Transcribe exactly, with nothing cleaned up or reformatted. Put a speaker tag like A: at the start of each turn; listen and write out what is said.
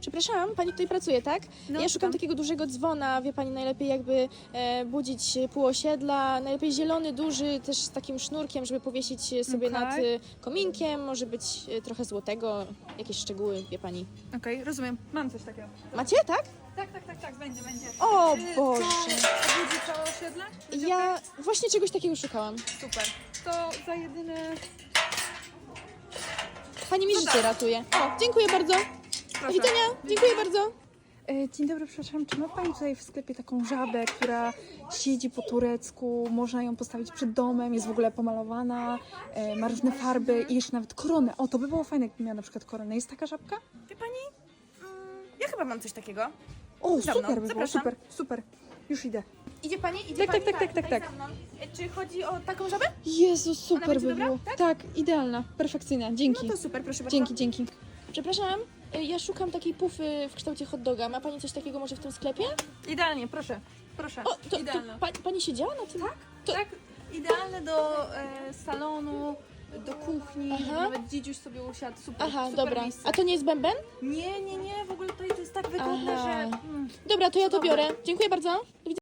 A: Przepraszam, pani tutaj pracuje, tak?
B: No,
A: ja szukam
B: tam.
A: takiego dużego dzwona, wie pani, najlepiej jakby e, budzić pół osiedla, najlepiej zielony, duży, też z takim sznurkiem, żeby powiesić sobie
B: Okej.
A: nad e, kominkiem, może być e, trochę złotego, jakieś szczegóły, wie pani.
B: Okej, rozumiem. Mam coś takiego.
A: Macie, tak?
B: Tak, tak, tak, tak, będzie, będzie.
A: O
B: Czy
A: Boże!
B: To obudzi całe osiedle? Będzie
A: Ja właśnie czegoś takiego szukałam.
B: okej? Super. To za jedyne...
A: Pani mi
B: No
A: życie
B: tak.
A: ratuje. O, dziękuję bardzo. Do
B: Proszę.
A: widzenia, dziękuję bardzo.
B: E, Dzień dobry, przepraszam, czy ma Pani tutaj w sklepie taką żabę, która siedzi po turecku, można ją postawić przed domem, jest w ogóle pomalowana, e, ma różne farby i jeszcze nawet koronę. O, to by było fajne, jakby miała na przykład koronę. Jest taka żabka?
C: Wie pani? Mm, ja chyba mam coś takiego.
B: O,
C: Za
B: super
C: mną,
B: by było,
C: zapraszam.
B: super, super. Już idę.
C: Idzie pani? Idzie
B: Tak,
C: pani?
B: tak, tak, tak,
C: tutaj
B: tak,
C: za mną. E, Czy chodzi o taką żabę?
B: Jezu, super
C: będzie
B: by
C: dobra?
B: było. Tak? idealna, perfekcyjna, dzięki.
C: No to super, proszę bardzo.
B: Dzięki, dzięki.
A: Przepraszam, e, ja szukam takiej pufy w kształcie hot doga. Ma pani coś takiego może w tym sklepie?
B: Idealnie, proszę, proszę.
A: O, to, to
B: Idealna.
A: pa, pani siedziała na tym? Tak? To,
B: Tak, idealne do e, salonu, do kuchni,
A: Aha.
B: żeby nawet dzidziuś sobie usiadł. Super,
A: Aha,
B: super
A: dobra.
B: miejsce.
A: A to nie jest bęben?
B: Nie, nie, nie, w ogóle tutaj to jest tak wygodne,
A: Aha.
B: że... Mm.
A: Dobra, to ja to
B: Dobra.
A: biorę. Dziękuję bardzo. Do widzenia.